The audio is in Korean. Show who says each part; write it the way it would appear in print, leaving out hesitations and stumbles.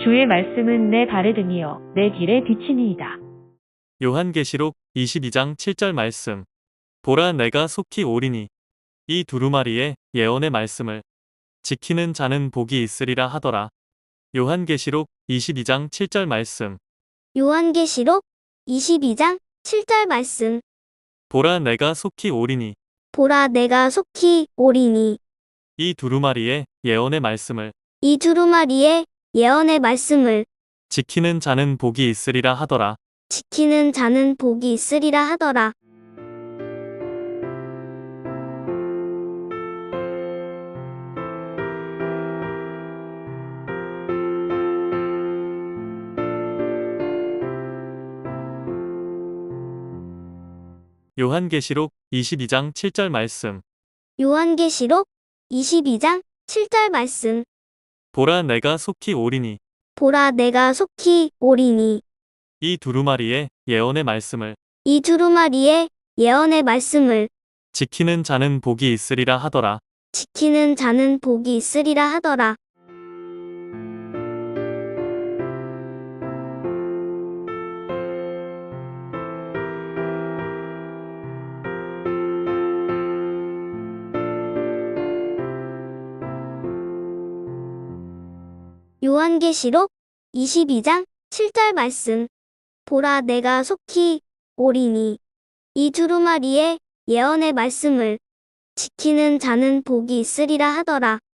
Speaker 1: 주의 말씀은 내 발에 등이요 내 길에 비치니이다.
Speaker 2: 요한계시록 22장 7절 말씀. 보라 내가 속히 오리니. 이 두루마리에 예언의 말씀을 지키는 자는 복이 있으리라 하더라. 요한계시록 22장 7절 말씀.
Speaker 3: 요한계시록 22장 7절 말씀.
Speaker 2: 보라 내가 속히 오리니.
Speaker 3: 보라 내가 속히 오리니.
Speaker 2: 이 두루마리에 예언의 말씀을
Speaker 3: 이 두루마리에 예언의 말씀을
Speaker 2: 지키는 자는 복이 있으리라 하더라.
Speaker 3: 지키는 자는 복이 있으리라 하더라.
Speaker 2: 요한계시록 22장 7절 말씀.
Speaker 3: 요한계시록 22장 7절 말씀.
Speaker 2: 보라 내가 속히 오리니.
Speaker 3: 보라 내가 속히 오리니.
Speaker 2: 이 두루마리에 예언의 말씀을
Speaker 3: 이 두루마리에 예언의 말씀을
Speaker 2: 지키는 자는 복이 있으리라 하더라.
Speaker 3: 지키는 자는 복이 있으리라 하더라. 요한계시록 22장 7절 말씀. 보라 내가 속히 오리니. 이 두루마리에 예언의 말씀을 지키는 자는 복이 있으리라 하더라.